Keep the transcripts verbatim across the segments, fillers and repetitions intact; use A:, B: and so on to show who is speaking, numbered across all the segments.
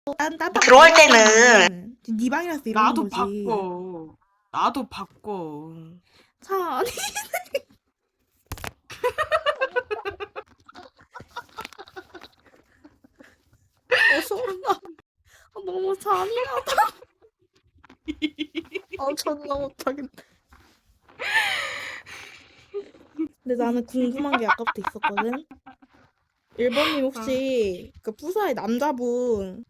A: 난 딴방
B: 들어올 때는
A: 네 방이라서 이러는
C: 나도
A: 거지.
C: 바꿔. 나도 바꿔.
A: 자, 아니. 어, 소름나. 아, 너무 잔인하다. 아, 존나 못하겠네. 근데 나는 궁금한 게 아까부터 있었거든. 일 번님 혹시 그 푸사의 남자분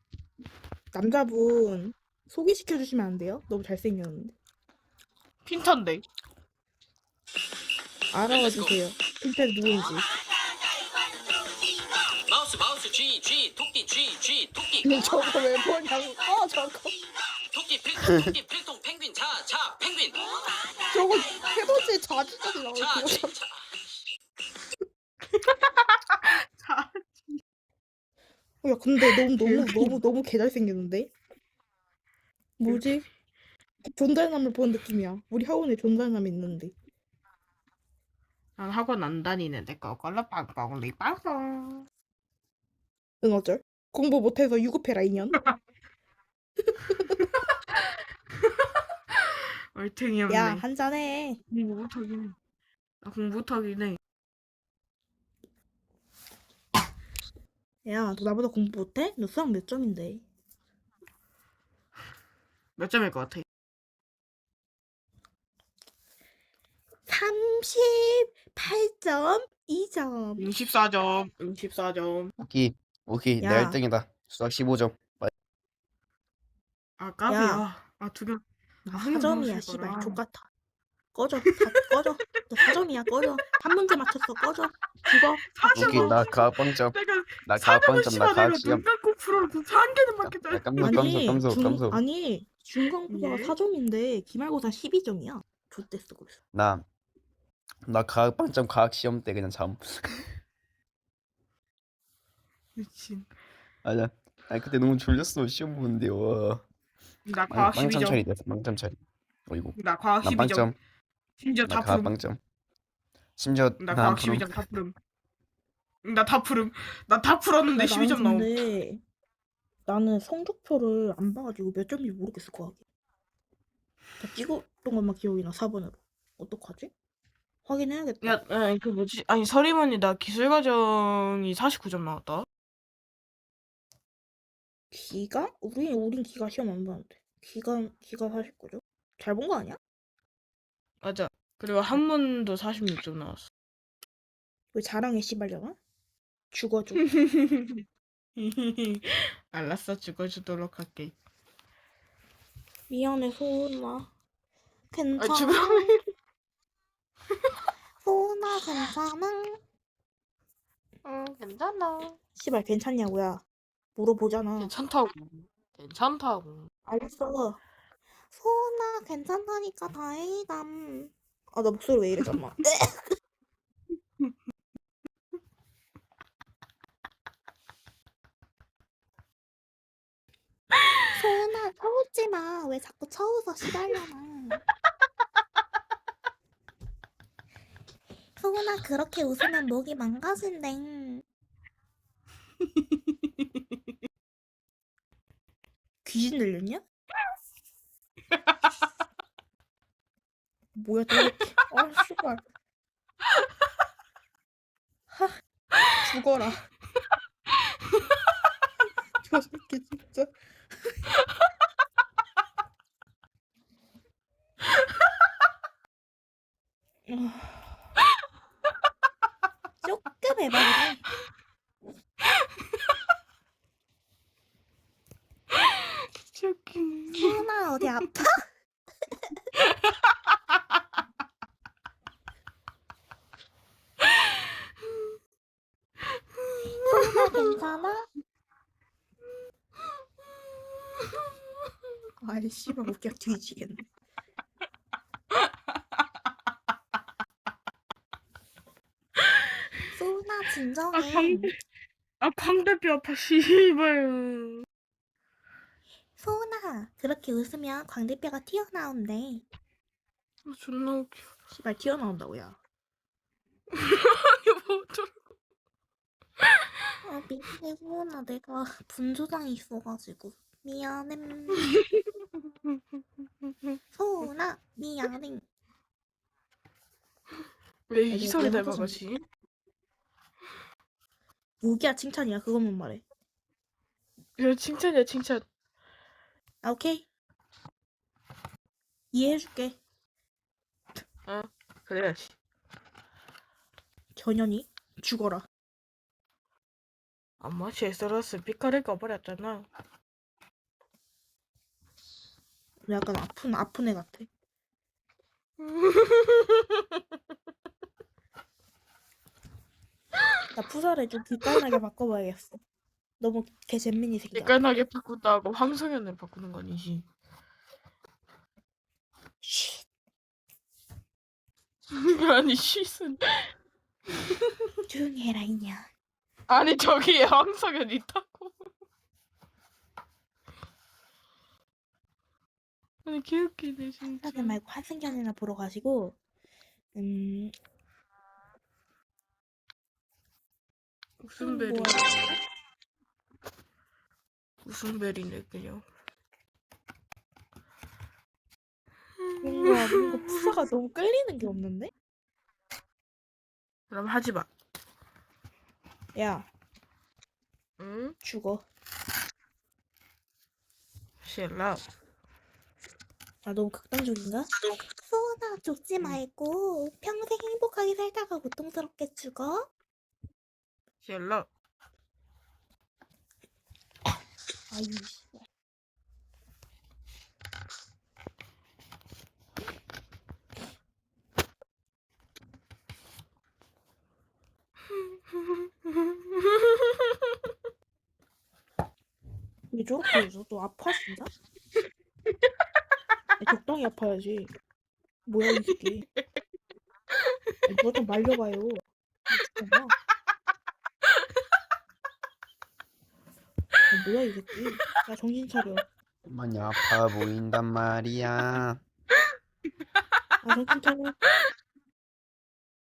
A: 남자분 소개시켜 주시면 안 돼요? 너무 잘생겼는데.
C: 핀턴데.
A: 알아와 주세요. 핀텔 누군지.
D: 마우스 마우스 G G 토끼 G G 토끼
A: 저거 왜 보냐고. 어, 저거.
D: 토끼 필통 토끼 필통 펭귄 자자 펭귄
A: 저거 해돋이 자주자주 나오고.
D: 자지 자.
C: 자.
A: 야, 근데 너무 너무 너무 너무 개 잘생겼는데? 뭐지? 존잘남을 본 느낌이야. 우리 학원에 존잘남이 있는데.
C: 난 학원 안 다니는데 거걸로 빵빵 리빵빵.
A: 응, 어쩔? 공부 못해서 유급해라 인연.
C: 얼탱이 없네.
A: 야, 한잔해.
C: 공부 못하긴 해. 나 공부 못하긴 해.
A: 야, 너 나보다 공부 못해? 너 수학 몇 점인데?
C: 몇 점일 것 같아?
A: 삼십팔 점 이 점.
C: 육십사 점. 육십사 점.
E: 오케이 오케이
A: 야.
E: 내가 일 등이다. 수학 십오 점.
C: 아 까비야. 아 두 개.
A: 나
C: 아,
A: 사 점이야,
C: 넣었을 거라.
A: 씨발. 족같아. 꺼져. 다 꺼져. 너 사 점이야, 꺼져. 한 문제 맞췄어, 꺼져. 죽어. 다
C: 사
E: 오케이
A: 죽어.
E: 나 가학빵점.
C: 내가
E: 나
C: 사점을
E: 가학빵점 나
C: 씨발 내가
E: 가학시험.
C: 눈 감고 풀어도 한 개는 맞겠다.
E: 야, 깜소
A: 아니,
E: 깜소 깜소
A: 중,
E: 깜소.
A: 아니, 중간고사가
C: 예?
A: 사 점인데 기말고사 십이 점이야. 좆됐어, 그래서.
E: 나 나 가학빵점 가학시험 때 그냥 잠.
C: 미친.
E: 맞아. 아니 그때 너무 졸렸어 시험 보는데 와.
C: 나
E: 빵,
C: 과학 십이
E: 빵점
C: 점.
E: 처리 됐어 빵점 처리. 어이구.
C: 나 과학
E: 나
C: 십이 점.
E: 빵점.
C: 심지어
E: 나
C: 다 푸름.
E: 가학빵점. 심지어
C: 나
E: 난
C: 과학
E: 푸름.
C: 십이 점 다 푸름. 나 다 푸름. 나 다 풀었는데
A: 야,
C: 십이 점
A: 나는
C: 나옴.
A: 근데 나는 성적표를 안 봐가지고 몇 점인지 모르겠어, 과학이. 다 찍었던 것만 기억이 나, 사 번으로. 어떡하지? 확인해야겠다.
C: 야, 아니 그 뭐지? 아니 서리머니 나 기술 과정이 사십구 점 나왔다.
A: 기가? 우리, 우린 기가 시험 안 봤는데. 기가, 기가 사십구 점? 잘 본 거 아니야?
C: 맞아. 그리고 한문도 사십육 점 나왔어.
A: 왜 자랑해, 씨발려나? 죽어줘.
C: 알았어, 죽어주도록 할게.
A: 미안해, 소은아.
C: 아,
A: 괜찮아.
C: 죽어.
A: 소은아, 괜찮아.
C: 응, 괜찮아.
A: 씨발, 괜찮냐고야. 물어보잖아.
C: 괜찮다고. 괜찮다고.
A: 알겠어. 소은아, 괜찮다니까 다행이다. 아, 나 목소리 왜 이래, 잠깐만. 소은아, 쳐웃지 마. 왜 자꾸 쳐웃어, 씨발려나. 소은아, 그렇게 웃으면 목이 망가진대. 귀신 들렸냐? 뭐야, 또 이렇게. 아, 씨발. 하, 죽어라. 저 새끼, 진짜. 조금 해봐야
C: 진짜 웃기네.
A: 소은아, 어디 아파? 소은아, 괜찮아? 아이, 씨발, 웃겨 뒤지겠네. 소은아,
C: 아,
A: 진정해.
C: 광대. 아, 광대뼈 아파, 씨발.
A: 소은아, 그렇게 웃으면 광대뼈가 튀어나온대.
C: 아, 존나 웃겨.
A: 씨발, 튀어나온다고, 야.
C: 이거 뭐 어쩌-
A: 아, 미안해, 소원아. 내가 분조장이 있어가지고. 미안해. 소원아, 미안해.
C: 왜
A: 내가
C: 희석이
A: 내가
C: 닮아가지?
A: 무기야, 칭찬이야. 그것만 말해.
C: 이거 칭찬이야 칭찬.
A: 아, 오케이. 이해해줄게.
C: 어 그래야지.
A: 전현이 죽어라.
C: 엄마 제스러스 피카를 꺼버렸잖아.
A: 약간 아픈 아픈 애 같아. 나 푸사를 좀 뒷깔나게 바꿔봐야겠어. 너무 개 잼민이 생겨.
C: 헷갈나게 바꾼다고 황성현을 바꾸는 거 아니지?
A: 쉿.
C: 아니 쉿은
A: 조용히 해라 이년.
C: 아니 저기에 황성현 있다고. 아니 개웃기네 진짜.
A: 하지 말고 환승연애나 보러 가시고. 음.
C: 무슨 벨이?
A: 뭐야?
C: 무슨 벨이네 그냥.
A: 뭔가 뭔가 푸사가 너무 끌리는 게 없는데?
C: 그럼 하지 마.
A: 야,
C: 응?
A: 죽어.
C: 쉘라.
A: 아, 너무 극단적인가? 소원아, 죽지 말고 평생 행복하게 살다가 고통스럽게 죽어?
C: 쉘라.
A: 아이, 왜 저렇게 해서 또 아파 진짜? 아니, 적당히 아파야지. 뭐야 이 새끼. 아니, 누가 좀 말려봐요. 미쳤나? 아, 뭐야 이 새끼. 야 정신 차려.
E: 많이 아파 보인단 말이야.
A: 아 정신 차려.